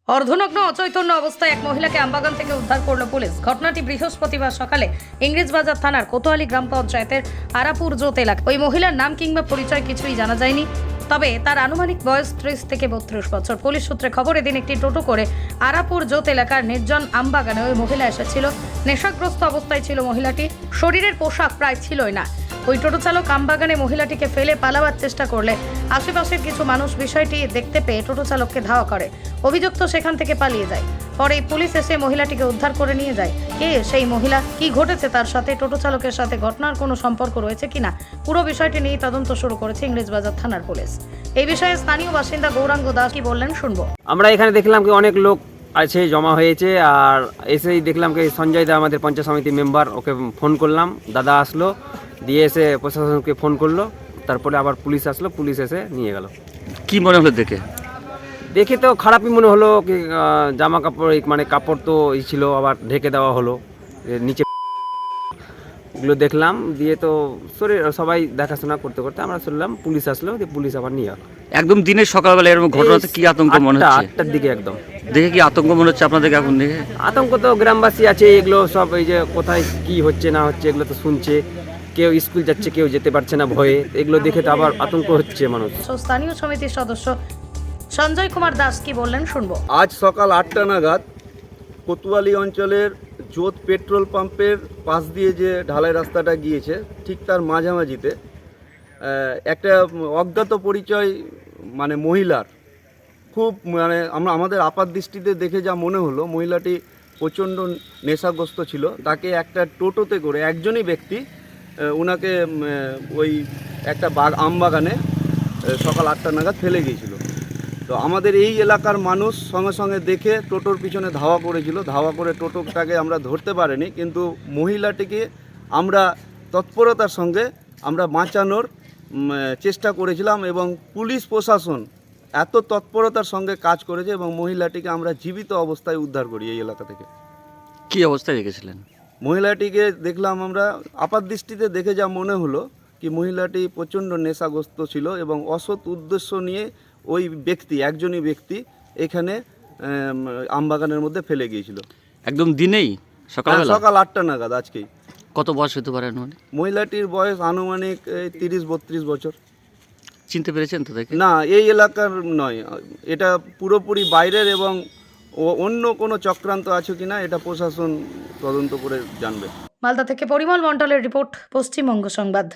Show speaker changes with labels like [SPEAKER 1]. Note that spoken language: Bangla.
[SPEAKER 1] অর্ধনগ্ন অচৈতন্য অবস্থায় এক মহিলাকে আমবাগান থেকে উদ্ধার করল পুলিশ। ঘটনাটি বৃহস্পতিবার সকালে ইংরেজবাজার থানার কোতোয়ালি গ্রাম পঞ্চায়েতের আরাপুর জোত এলাকা। ওই মহিলার নাম কিংবা পরিচয় কিছুই জানা যায়নি, তবে তার আনুমানিক বয়স 30 থেকে 32 বছর। পুলিশ সূত্রে খবর, এদিন একটি টোটো করে আরাপুর জোত এলাকার নির্জন আমবাগানে ওই মহিলা এসেছিল। নেশাগ্রস্ত অবস্থায় ছিল মহিলাটি, শরীরের পোশাক প্রায় ছিলই না। ওই টোটো চালক আমবাগানে মহিলাটিকে ফেলে পালাবার চেষ্টা করলে আশেপাশের কিছু মানুষ বিষয়টি দেখতে পেয়ে টোটো চালককে ধাওয়া করে। অভিযুক্ত সেখান থেকে পালিয়ে যায়। পরে পুলিশ এসে মহিলাটিকে উদ্ধার করে নিয়ে যায়। কে সেই মহিলা, কি ঘটেছে তার সাথে, টোটো চালকের সাথে ঘটনার কোনো সম্পর্ক রয়েছে কিনা, পুরো বিষয়টি নিয়ে তদন্ত শুরু করেছে ইংরেজবাজার থানার পুলিশ। এই বিষয়ে স্থানীয় বাসিন্দা গৌরাঙ্গ দাস কি বললেন শুনবো।
[SPEAKER 2] আমরা এখানে দেখলাম কি অনেক লোক আছে, জমা হয়েছে, আর এসেই দেখলাম কি সঞ্জয় দা আমাদের পঞ্চায়েত সমিতি মেম্বার, ওকে ফোন করলাম, দাদা আসলো, দিয়ে এসে প্রশাসনকে ফোন করলো, তারপরে আবার পুলিশ আসলো, পুলিশ এসে নিয়ে গেল।
[SPEAKER 3] কি মনে হলো দেখে?
[SPEAKER 2] দেখে তো খারাপই মনে হলো, কি জামা কাপড় মানে কাপড় তো ছিল, আবার ঢেকে দেওয়া হলো নিচে, এগুলো দেখলাম। দিয়ে তো শরীর সবাই দেখাশোনা করতে করতে আমরা শুনলাম পুলিশ আসলো, দিয়ে পুলিশ আবার নিয়ে গেল।
[SPEAKER 3] একদম দিনের সকালবেলা এরকম ঘটনাতে কি আতঙ্ক মনে হচ্ছে?
[SPEAKER 2] 8টার দিকে একদম
[SPEAKER 3] দেখে কি আতঙ্ক মনে হচ্ছে আপনাদেরকে এখন দেখে?
[SPEAKER 2] আতঙ্ক তো গ্রামবাসী আছে, এগুলো সব এই যে কোথায় কি হচ্ছে না হচ্ছে এগুলো তো শুনছে, কেউ স্কুল যাচ্ছে, কেউ যেতে পারছে না ভয়ে, এগুলো দেখে তো আবার আতঙ্ক হচ্ছে মানুষ।
[SPEAKER 1] স্থানীয় সমিতির সদস্য সঞ্জয় কুমার দাস কি বললেন শুনবো।
[SPEAKER 4] আজ সকাল 8টা নাগাদ কোতোয়ালি অঞ্চলের জোত পেট্রোল পাম্পের পাশ দিয়ে যে ঢালাই রাস্তাটা গিয়েছে, ঠিক তার মাঝামাঝিতে একটা অজ্ঞাত পরিচয় মানে মহিলার খুব মানে আমাদের আপাত দৃষ্টিতে দেখে যা মনে হলো, মহিলাটি প্রচণ্ড নেশাগ্রস্ত ছিল। তাকে একটা টোটোতে করে একজনই ব্যক্তি ওনাকে ওই একটা আমবাগানে সকাল 8টা নাগাদ ফেলে গিয়েছিল। তো আমাদের এই এলাকার মানুষ সঙ্গে সঙ্গে দেখে টোটোর পিছনে ধাওয়া করেছিল, ধাওয়া করে টোটোটাকে আমরা ধরতে পারিনি, কিন্তু মহিলাটিকে আমরা তৎপরতার সঙ্গে আমরা বাঁচানোর চেষ্টা করেছিলাম, এবং পুলিশ প্রশাসন এত তৎপরতার সঙ্গে কাজ করেছে এবং মহিলাটিকে আমরা জীবিত অবস্থায় উদ্ধার করি এই এলাকা থেকে।
[SPEAKER 3] কি অবস্থায় রেখেছিলেন?
[SPEAKER 4] মহিলাটিকে দেখলাম আমরা আপাত দৃষ্টিতে দেখে যা মনে হলো কি মহিলাটি প্রচণ্ড নেশাগ্রস্ত ছিল এবং অসৎ উদ্দেশ্য নিয়ে ওই ব্যক্তি, একজনই ব্যক্তি এখানে আমবাগানের মধ্যে ফেলে গিয়েছিল।
[SPEAKER 3] একদম দিনেই সকালবেলা?
[SPEAKER 4] সকাল 8টা নাগাদ আজকেই।
[SPEAKER 3] কত বয়স হতে পারে?
[SPEAKER 4] মহিলাটির বয়স আনুমানিক 30-32 বছর।
[SPEAKER 3] চিনতে পেরেছেন তো দেখে?
[SPEAKER 4] না, এই এলাকার নয়, এটা পুরোপুরি বাইরের, এবং অন্য কোনো চক্রান্ত আছে কিনা এটা প্রশাসন তদন্ত করে জানবে।
[SPEAKER 1] মালদা থেকে পরিমল মণ্ডলের রিপোর্ট, পশ্চিমবঙ্গ সংবাদ।